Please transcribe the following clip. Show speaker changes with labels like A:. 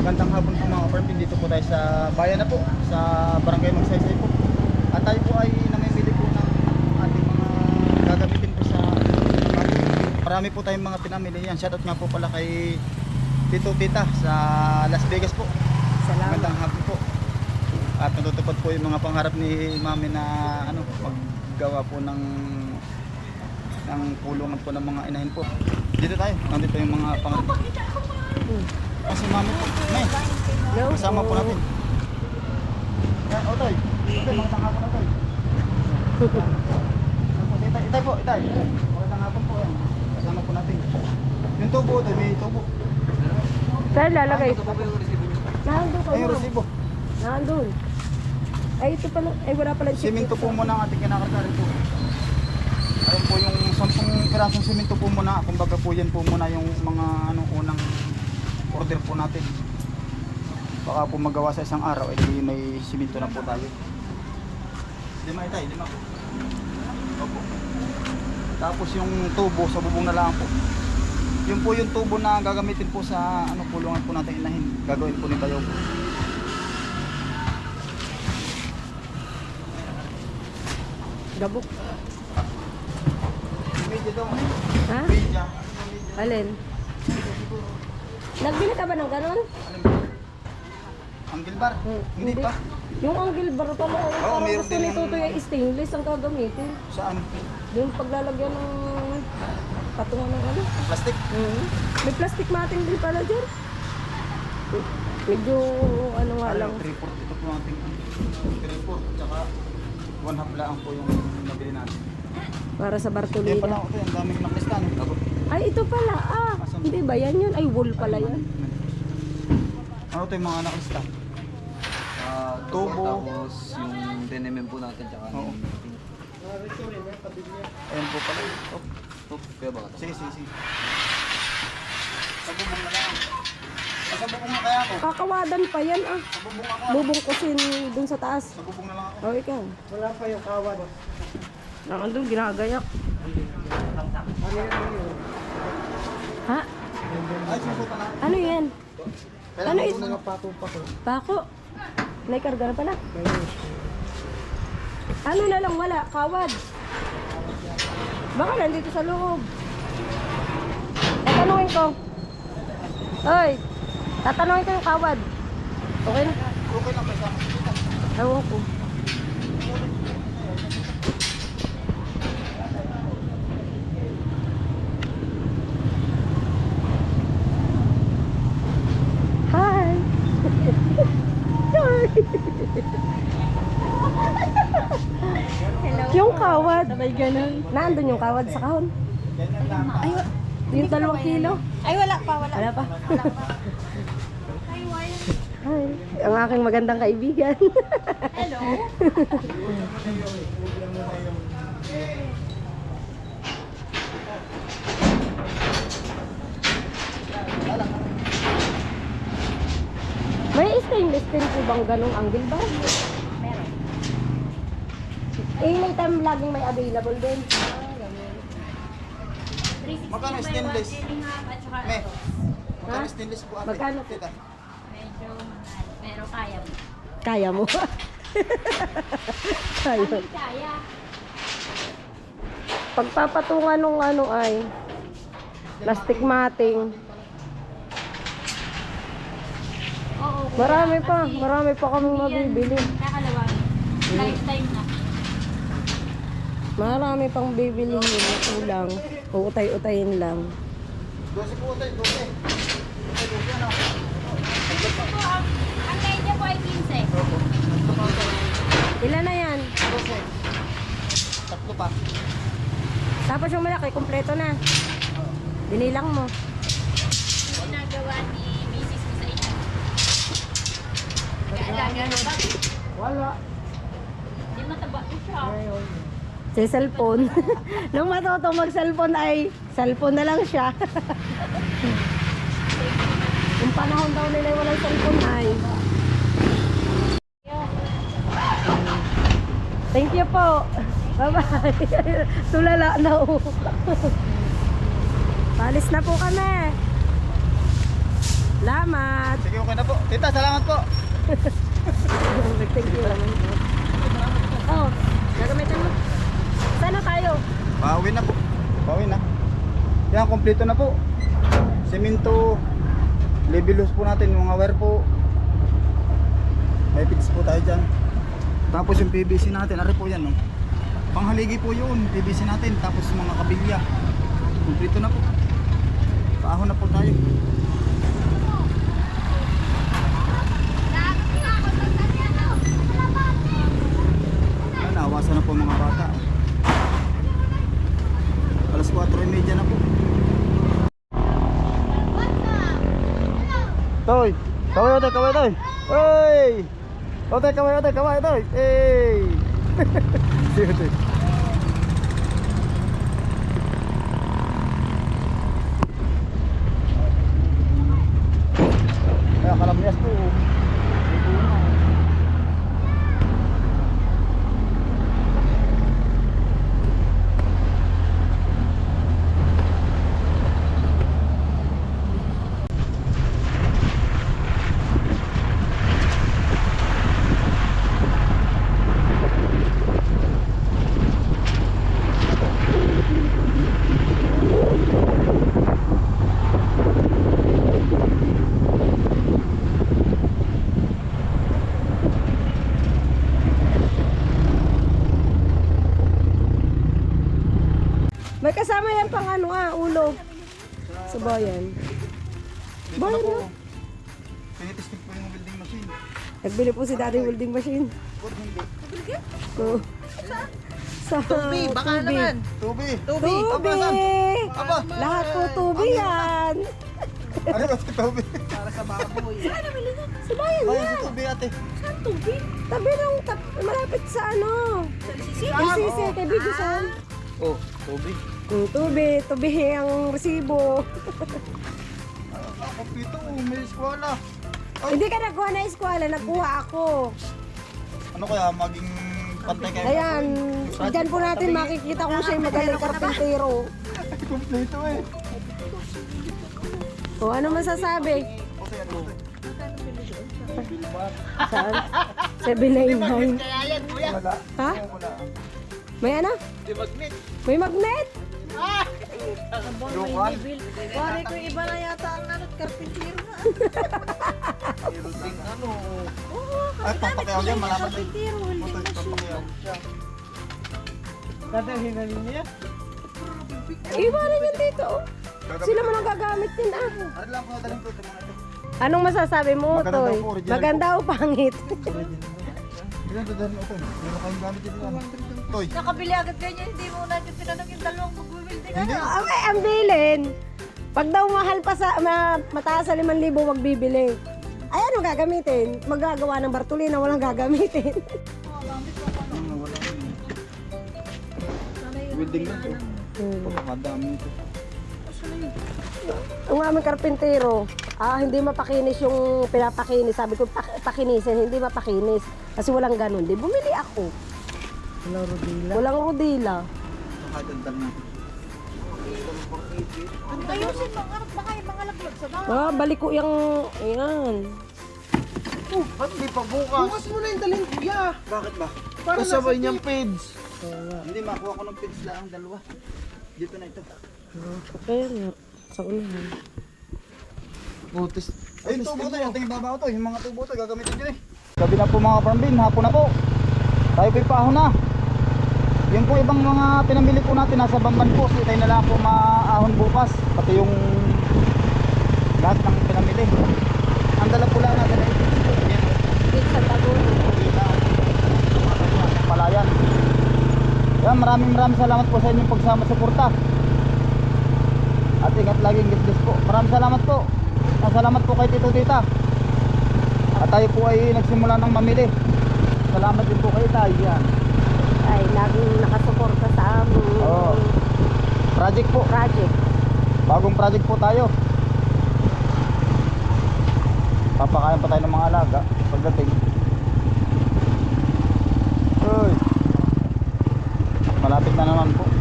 A: Magandang hapon po mga farm. Dito po tayo sa bayan na po, sa Barangay Magsaysay po. At tayo po ay namimili po ng ating mga gagamitin po sa marami po tayong mga pinamili yan. Shoutout nga po pala kay Tito Tita sa Las Vegas po.
B: Salamat.
A: Magandang hapon po. At natutupad po yung mga pangarap ni Mami na maggawa po ng pulungan po ng mga inahin po. Dito tayo, nandito yung mga pangarap. Kasi Mami po, may kasama po natin. Yan, Otoy. Otoy, magandang hapon Otoy. Itay po, itay. Magandang hapon po yan. Kasama po natin. Yung tubo Otoy, may tubo.
B: Saan lalagay? Nandun ka
A: Ay, yung
B: mo.
A: resibo.
B: Nandun. Ay, ito pala. Ay, wala pala.
A: Siminto po muna ang ating kinakargarin po. Ayun po yung 10 pirasong siminto po muna. Kumbaga po yan po muna yung mga unang order po natin. Baka po magawa sa isang araw, edi may siminto na po tayo. Lima itay, lima po. Opo. Tapos yung tubo sa bubong na lang po. Yun po yung tubo na gagamitin po sa pulungan po natin inahin. Gagawin po ni Bayaw po.
B: Gabok.
A: Medyo daw.
B: Ha?
A: Medyo.
B: Alin? Nagbili ka ba ng ganon?
A: Ang gilbar? Hindi pa.
B: Yung angle bar pala.
A: Oo, meron
B: gusto
A: din
B: ni
A: yung-
B: Tutoy ay stainless ang gagamitin.
A: Saan?
B: Yung paglalagyan ng patungan ng ano.
A: Plastic?
B: May plastic matting din pala dyan. Medyo ano nga lang.
A: 3/4 ito po natin. 3/4 tsaka 1/2 lang po yung nabili natin.
B: Para sa
A: Kaya
B: Bartolina.
A: pala ito, ang daming naklistan.
B: Ay, ito pala. Hindi ba yan yun? Ay, wool pala yan.
A: Ano ito yung mga naklista? Tubo.
C: Tapos yung denim po natin tsaka
A: Oo. Ayan po pala.
C: kaya ba?
A: Sige. Sa bubong na lang. Sa bubong na kaya ako.
B: Kakawadan pa yan ah.
A: Sa bubong ako.
B: Bubungkusin dun sa taas.
A: Sa bubong na lang ako.
B: Oh, ikaw.
A: Wala pa yung kawad.
B: Nakandun, ginagayak. Ha?
A: Ay, susuta na.
B: Ano yan? Ano
A: ito?
B: ito?
A: Pato.
B: Pako. Naikarga na pala. Ano na lang wala? Kawad. Baka nandito sa loob. Tatanungin ko. Hoy, tatanungin ko yung kawad. Okay na?
A: Okay lang, may sama sa kita.
B: Ewan ko. Hi! Hi! Yung kawad. Sabay ganun. Nandun yung kawad sa kahon. Ay, yung 2 kilo.
D: Ay, wala pa.
B: Wala pa. Hi. Ang aking magandang kaibigan.
D: Hello.
B: May stainless steel po bang ganong angle ba?
D: Meron.
B: May time laging may available din.
D: 360
A: Magkano
D: by
A: stainless?
D: 1.5 at saka
A: Me.
D: ito.
A: Magkano
B: Ha?
A: stainless po ate?
B: Magkano?
A: Tita.
D: Medyo mahal. Pero kaya mo.
B: Kaya mo. Kaya.
D: Hindi kaya.
B: Pagpapatungan nung ano ay plastic matting.
D: Oo. kuya,
B: Marami pa kaming
D: hindi yan
B: mabibili.
D: kakalawangin. Lifetime na.
B: Marami pang bibili na kulang. Uutay-utayin lang.
A: 12 po tayo, 12. 12 ano?
D: Ito po, ang kaya niya po ay 15.
B: Ilan na yan?
A: 12. Tatlo pa.
B: Tapos yung malaki, kompleto na. Binilang mo.
D: Ginagawa ni Mrs. ko sa inyo. Kaalaga na ba?
A: Wala.
D: Hindi mataba ko siya.
B: Sa cellphone. Nung matuto mag-cellphone ay cellphone na lang siya. Yung panahon daw nila walang cellphone ay. Thank you po. Bye-bye. Tulala na oh. Palis na po kami. Salamat.
A: Sige, okay na po. Tita, salamat po.
B: Thank you naman. Oh, gagamitin mo. Sana tayo?
A: Bawi na po. Bawi na. Yan, kompleto na po. Semento. Levelos po natin. Mga wire po. May fix po tayo dyan. Tapos yung PVC natin. Ari po yan. No? Panghaligi po yun. PVC natin. Tapos mga kabilya. Kompleto na po. Paahon na po tayo. Nawasan na po mga bata. Alas 4:30 na po. Toy, kaway toy, kaway toy. Oy! Ote, kaway toy. Hey! Sige toy. Kaya kalamyas po.
B: May kasama yan pang ano ulo. Subayan.
A: Dito na po. Tinitesting po yung welding machine.
B: Nagbili po si Daddy welding machine.
A: Ba't hindi?
B: So, sa tubi, baka naman.
A: Tubi.
B: Tubi!
A: Aba!
B: Lahat po tubi yan.
A: Ano ba si Tubi?
B: Subayan
A: Bayan
B: yan.
A: si Tubi ate.
B: Tabi ng malapit sa ano. Sisi, kay Bigosan.
C: Oh, Toby.
B: Tubi ang resibo.
A: Kompleto, may eskwala.
B: Hindi ka nakuha na eskwela, nakuha ako.
A: Ano kaya maging pantay kayo?
B: Ayan, dyan po natin makikita kung siya'y magaling karpintero.
A: Kompleto eh.
B: O, ano masasabi?
A: Okay, ano ito?
B: Saan? 799.
A: Wala.
B: Ha?
A: Wala.
B: May ano? May magnet?
A: Local.
E: Pare ko iba na yata ang nanot, karpintero na.
A: Ano? Ay, papakiyaw yan. Malaman din.
E: Karpintero, hindi
A: Puto,
E: machine.
A: papakiyaw siya.
B: Iba rin yan dito. Oh. Sila mo nang gagamit din
A: Ano lang po nadaling ko ito mga ito.
B: Anong masasabi mo,
A: Maganda
B: Toy?
A: daw po, original
B: Maganda o pangit?
A: Ilan dadalhin mo ito? Meron kayong gamit dito yan. Toy.
E: Nakabili agad ganyan, hindi mo na tinanong yung dalawang mag-building.
A: Hindi.
B: Okay, ang bilin. Pag daw mahal pa sa, mataas sa 5,000, wag bibili. Ay, ano gagamitin? Magagawa ng Bartolina, walang gagamitin.
A: Welding na ito. Pagkakadami ito.
B: Ang aming karpintero, hindi mapakinis yung pinapakinis. Sabi ko, pakinisin, hindi mapakinis. Kasi walang ganun. Di, bumili ako. Walang rodila.
A: Nakadandal na.
E: Ayusin mo, baka yung mga laglag sa bahay.
B: Balik ko yung, ayan.
A: Ba't di pa bukas?
F: Bukas mo na yung dalhin, kuya.
A: Bakit ba?
F: Para sabay niyang page.
A: Hindi, makuha ko ng pins lang ang dalawa. Dito na ito.
B: Kaya nga, sa unahan.
F: Butis.
A: Ayun, tubo to. Yung tingin baba ko to. Yung mga tubo to, gagamitin ko eh. Gabi na po mga farmbin, hapon na po. Tayo po'y paahon na. Yung po ibang mga pinamili po natin nasa Bamban po. So tayo na lang po maahon bukas. Pati yung lahat ng pinamili. Ang dala po lang natin ay yan.
B: Dito sa tagon.
A: Palayan. Yan, maraming salamat po sa inyong pagsama-suporta. At ingat laging God bless po. Maraming salamat po. Salamat po kay Tito Tita. At tayo po ay nagsimula ng mamili. Salamat din po kay Tay. Yan.
B: Ay, laging nakasuporta sa aming
A: Oo. Project po.
B: project.
A: Bagong project po tayo. Papakain pa tayo ng mga alaga pagdating. Uy. Malapit na naman po.